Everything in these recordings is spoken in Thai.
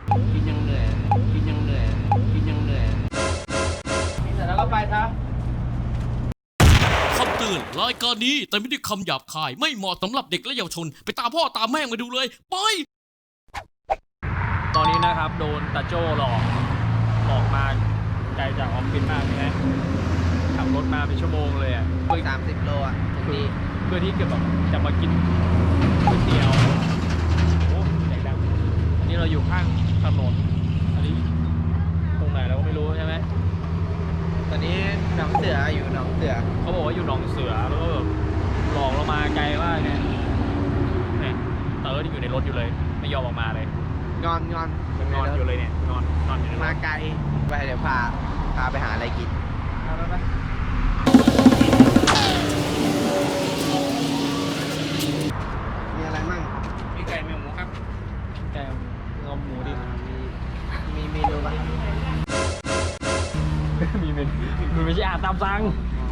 กินยังเหนื่อยกินยังเหนื่อยกินยังเหนื่อยกินเสร็จแล้วก็ไปซะคำเตือนรายการนี้แต่ไม่ได้คำหยาบคายไม่เหมาะสำหรับเด็กและเยาวชนไปตามพ่อตามแม่มาดูเลยไปตอนนี้นะครับโดนตาโจ้หลอกมาไกลจากออฟฟิศมากใช่ไหมขับรถมาเป็นชั่วโมงเลยอ่ะ 30 โลอ่ะถึงนี่เพื่อที่จะมากินก๋วยเตี๋ยวโอ้ใหญ่ดังอันนี้เราอยู่ข้างถนนอันนี้ตรงไหนเราก็ไม่รู้ใช่ไหมตอนนี้หนองเสืออยู่หนองเสือเขาบอกว่าอยู่หนองเสือแล้วก็แบบหลอกเรามาไกลมากเนี่ยเต๋อที่อยู่ในรถอยู่เลยไม่ยอมออกมาเลยงอนอยู่เลยเนี่ยนอนอยู่ในรถมาไกลไปเดี๋ยวพาไปหาอะไรกินไปมีอะไรมั่งมีไก่มีหมูครับไก่งอมหมูดิมีเมนูป่ะมีเมนูมันไม่ใช่อาหารตามสั่ง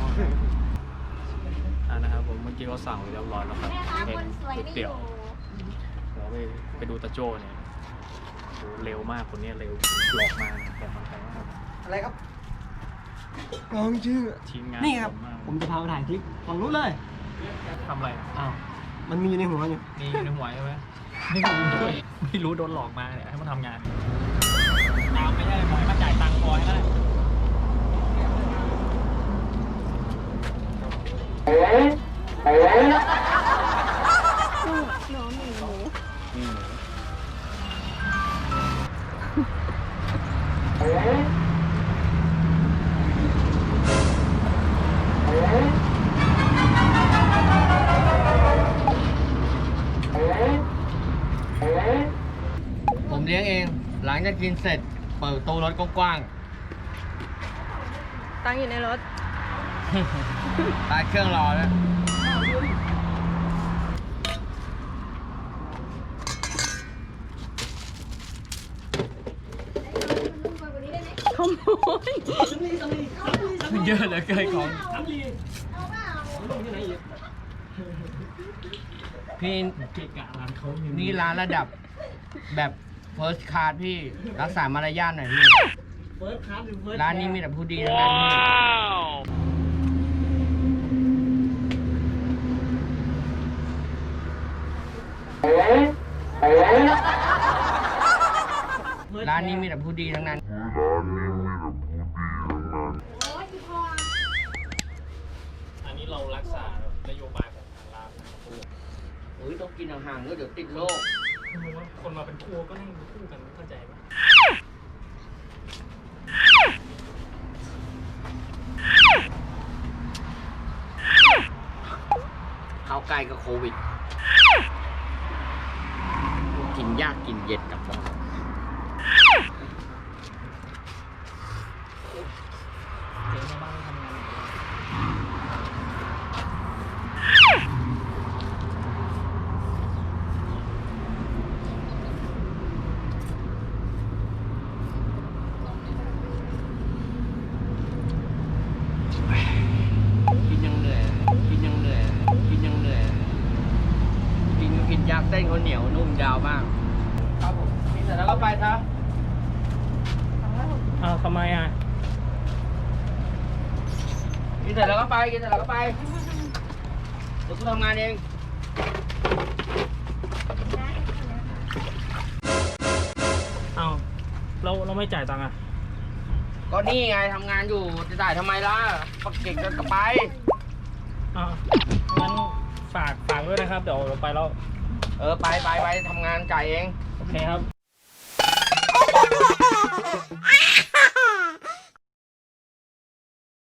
นะครับผมเมื่อกี้เขาสั่งเรียบร้อยแล้วครับเป็นก๋วยเตี๋ยวเราไปดูตาโจ้เนี่ยเร็วมากคนนี้เร็วหลอกมาแต่ทำไปมากอะไรครับน้องชื่อทีมงานนี่ครับผมจะพาไปถ่ายคลิปฝั่งนู้นเลยทำอะไรอ้าวมันมีอยู่ในหัวอยู่ในหัวใช่ไหมไม่รู้โดนหลอกมาเนี่ยให้มันทำงานตามไม่ได้ขอให้มาจ่ายตังค์พอให้ได้ผมเลี้ยงเองหลังจากกินเสร็จเปิดประตูรถกว้างๆตั้งอยู่ในรถตาเครื่องรอแล้วขโมยเยอะเหลือเกินของพี่นี่ร้านระดับแบบ first class พี่รักษามารยาทหน่อยพี่ร้านนี้มีแต่ผู้ดีทั้งนั้นพี่ร้านนี้มีแต่ผู้ดีทั้งนั้นอันนี้เรารักษานโยบายของทางร้านต้องกินห่างๆเดี๋ยวติดโรคคนมาเป็นคู่ก็นั่งคู่กันเข้าใจไหมเข้าใกล้กับโควิดกินยากกินเย็นกับบ้านเจ๊ในบ้านทำงานยากเส้นเขาเหนียวนุ่มยาวมากครับผมกินเสร็จแล้วก็ไปซะทำไมอ่ะกินเสร็จแล้วก็ไปเดี๋ยวกูทำงานเองเราไม่จ่ายตังค์อ่ะก็นี่ไงทำงานอยู่จะจ่ายทำไมล่ะปักเก่งก็ไปงั้นฝากด้วยนะครับเดี๋ยวไปแล้วไปทำงานจ่ายเองโอเคครับ